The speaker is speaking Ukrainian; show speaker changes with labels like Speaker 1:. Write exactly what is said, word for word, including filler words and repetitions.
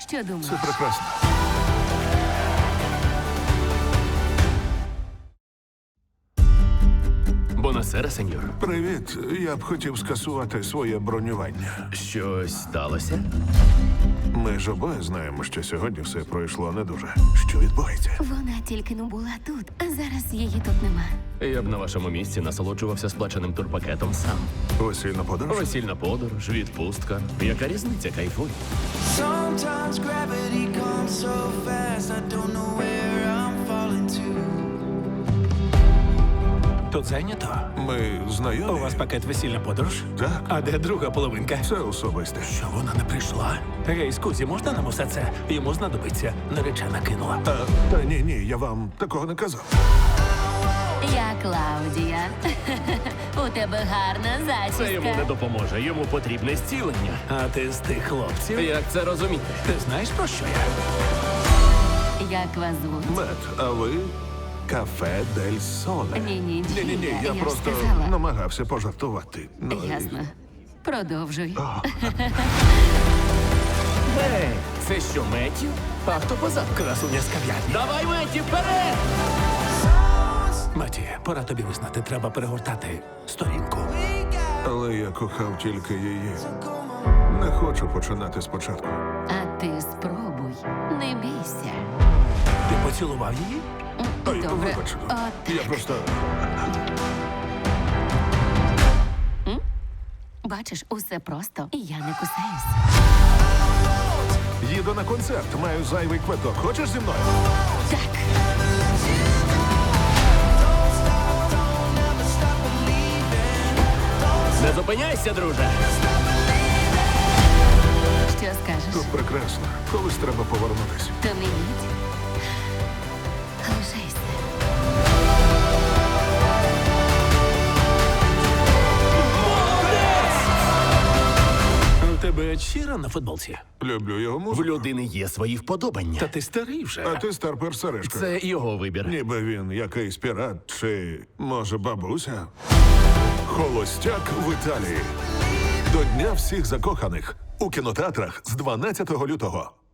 Speaker 1: Що думаєш?
Speaker 2: Це прекрасно.
Speaker 3: Бонасера, сеньор.
Speaker 2: Привіт. Я б хотів скасувати своє бронювання.
Speaker 3: Щось сталося?
Speaker 2: Ми ж обоє знаємо, що сьогодні все пройшло не дуже. Що відбувається?
Speaker 1: Вона тільки не була тут, а зараз її тут нема.
Speaker 3: Я б на вашому місці насолоджувався сплаченим турпакетом сам.
Speaker 2: Весільна подорож?
Speaker 3: Весільна подорож, відпустка. Яка різниця, кайфуй.
Speaker 4: Sometimes gravity comes so fast, I don't know where I'm falling to.
Speaker 5: Тут зайнято?
Speaker 2: Ми
Speaker 5: У
Speaker 2: знайомі?
Speaker 5: вас пакет весільна подорож?
Speaker 2: Так.
Speaker 5: А де друга половинка?
Speaker 2: Це особисте.
Speaker 5: Що вона не прийшла? Гей, скузі, можна нам усе це? Йому знадобиться. Наречена кинула.
Speaker 2: А, та ні, ні, я вам такого не казав.
Speaker 1: Я Клаудія. У тебе гарна
Speaker 3: Це йому не
Speaker 1: зачіска.
Speaker 3: допоможе. Йому потрібне зцілення.
Speaker 5: А ти з тих хлопців?
Speaker 3: Як це розуміти?
Speaker 5: Ти знаєш, про що я?
Speaker 1: Як вас звуть?
Speaker 2: Мет, а ви кафе Дель Соле.
Speaker 1: Ні-ні,
Speaker 2: Ні, ні, ні, я,
Speaker 1: я ж
Speaker 2: просто
Speaker 1: сказала.
Speaker 2: намагався пожартувати. Ну, і-
Speaker 1: Ясно. Продовжуй.
Speaker 3: Ей, це що, Меттю? А хто позаду?
Speaker 5: Красуня з кав'ярні.
Speaker 3: Давай, Меттю, вперед!
Speaker 5: Маті, пора тобі визнати, треба перегортати сторінку.
Speaker 2: Але я кохав тільки її. Не хочу починати спочатку.
Speaker 1: А ти спробуй. Не бійся.
Speaker 5: Ти поцілував її?
Speaker 2: Ой,
Speaker 1: Добре.
Speaker 2: вибач.
Speaker 1: От,
Speaker 2: Я просто.
Speaker 1: бачиш, усе просто, і я не кусаюсь.
Speaker 2: Їду на концерт, маю зайвий квиток. Хочеш зі мною?
Speaker 1: Так.
Speaker 3: Не зупиняйся, друже!
Speaker 1: Що скажеш?
Speaker 2: Тут прекрасно. Колись треба повернутися.
Speaker 1: То не їдь. Лишайся.
Speaker 5: У тебе Чіра на футболці?
Speaker 2: Люблю його
Speaker 3: В
Speaker 2: музику.
Speaker 3: людини є свої вподобання.
Speaker 5: Та ти старий вже.
Speaker 2: А ти старпер Сережка.
Speaker 3: Це його вибір.
Speaker 2: Ніби він якийсь пірат чи, може, бабуся? Холостяк в Італії. До Дня всіх закоханих. У кінотеатрах з дванадцятого лютого.